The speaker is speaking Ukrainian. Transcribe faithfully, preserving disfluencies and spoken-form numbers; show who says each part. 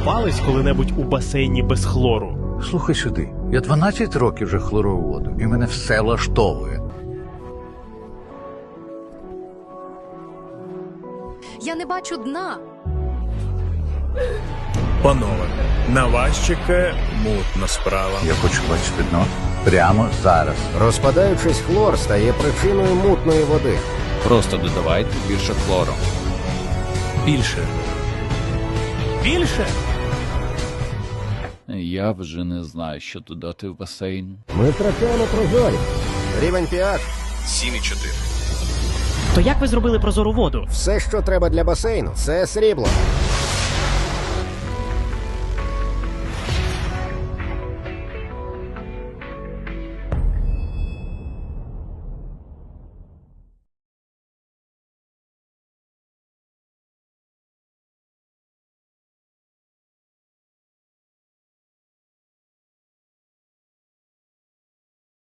Speaker 1: купались коли-небудь у басейні без хлору?
Speaker 2: Слухай сюди, я дванадцять років вже хлорую воду, і мене все влаштовує.
Speaker 3: Я не бачу дна.
Speaker 4: Панове, на вас чекає мутна справа.
Speaker 2: Я хочу бачити дно прямо зараз.
Speaker 5: Розпадаючись, хлор стає причиною мутної води.
Speaker 6: Просто додавайте більше хлору.
Speaker 4: Більше.
Speaker 1: Більше?
Speaker 6: Я вже не знаю, що додати в басейн.
Speaker 5: Ми втрачаємо прозорість. Рівень pH.
Speaker 4: сім і чотири.
Speaker 1: То як ви зробили прозору воду?
Speaker 5: Все, що треба для басейну, це срібло.